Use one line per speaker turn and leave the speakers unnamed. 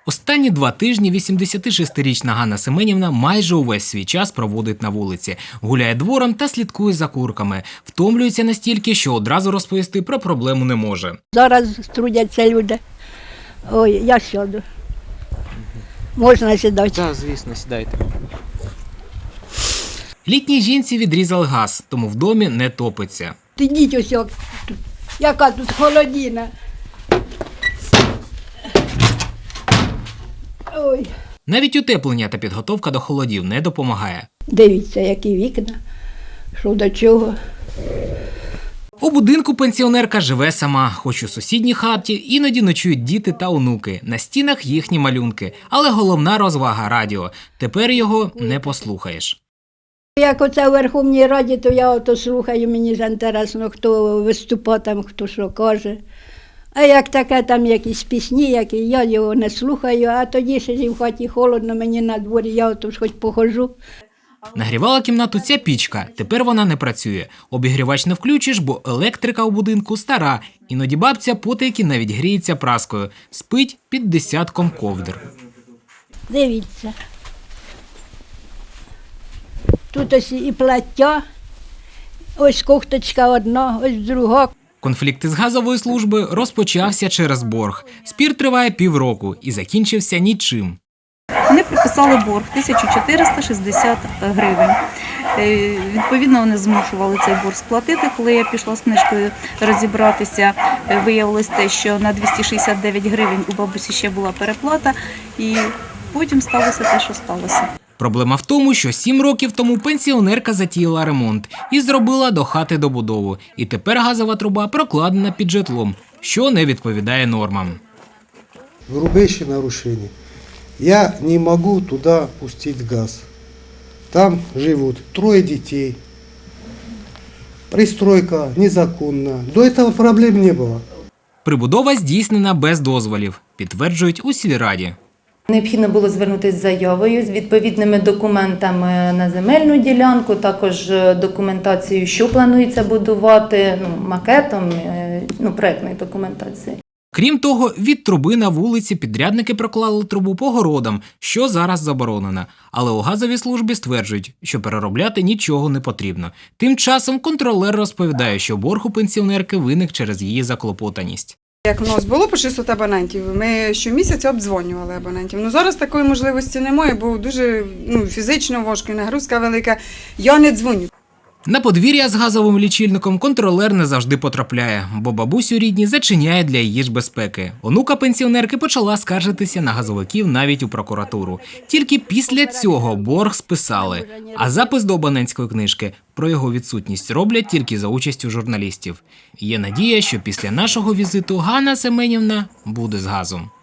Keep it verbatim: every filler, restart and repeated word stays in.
Останні два тижні вісімдесятишестирічна Ганна Семенівна майже увесь свій час проводить на вулиці. Гуляє двором та слідкує за курками. Втомлюється настільки, що одразу розповісти про проблему не може.
Зараз трудяться люди. Ой, я сяду. Можна сідати?
Так, звісно, сідайте.
Літній жінці відрізали газ, тому в домі не топиться.
Ідіть ось, як тут. Яка тут холодина. Ой.
Навіть утеплення та підготовка до холодів не допомагає.
Дивіться, які вікна, що до чого.
У будинку пенсіонерка живе сама, хоч у сусідній хаті іноді ночують діти та онуки. На стінах їхні малюнки. Але головна розвага – радіо. Тепер його не послухаєш.
Як оце в Верховній Раді, то я ото слухаю, мені ж інтересно, хто виступає там, хто що каже. А як таке там якісь пісні, які я його не слухаю, а тоді ще в хаті холодно, мені на дворі, я ото ж хоч походжу.
Нагрівала кімнату ця пічка, тепер вона не працює. Обігрівач не включиш, бо електрика у будинку стара. Іноді бабця потайки навіть гріється праскою. Спить під десятком ковдр.
Дивіться. Тут ось і плаття, ось кофточка одна, ось друга.
Конфлікт із газової служби розпочався через борг. Спір триває півроку і закінчився нічим.
Вони приписали борг тисячу чотириста шістдесят гривень. Е, Відповідно, вони змушували цей борг сплатити. Коли я пішла з книжкою розібратися, е, виявилось те, що на двісті шістдесят дев'ять гривень у бабусі ще була переплата, і потім сталося те, що сталося.
Проблема в тому, що сім років тому пенсіонерка затіяла ремонт і зробила до хати добудову. І тепер газова труба прокладена під житлом, що не відповідає нормам.
Грубейшее нарушение. Я не могу туда пустить газ. Там живут трое детей. Пристройка незаконна. До этого проблем не было.
Прибудова здійснена без дозволів, підтверджують у сільраді.
Необхідно було звернутися з заявою, з відповідними документами на земельну ділянку, також документацією, що планується будувати, ну, макетом, ну, проєктної документації.
Крім того, від труби на вулиці підрядники проклали трубу по городам, що зараз заборонено. Але у газовій службі стверджують, що переробляти нічого не потрібно. Тим часом контролер розповідає, що борг у пенсіонерки виник через її заклопотаність.
Як в нас було по шістсот абонентів, ми щомісяця обдзвонювали абонентів. Ну, зараз такої можливості немає, бо дуже ну, фізично важко, нагрузка велика. Я не дзвоню.
На подвір'я з газовим лічильником контролер не завжди потрапляє, бо бабусю рідні зачиняє для її ж безпеки. Онука пенсіонерки почала скаржитися на газовиків навіть у прокуратуру. Тільки після цього борг списали, а запис до абонентської книжки про його відсутність роблять тільки за участю журналістів. Є надія, що після нашого візиту Ганна Семенівна буде з газом.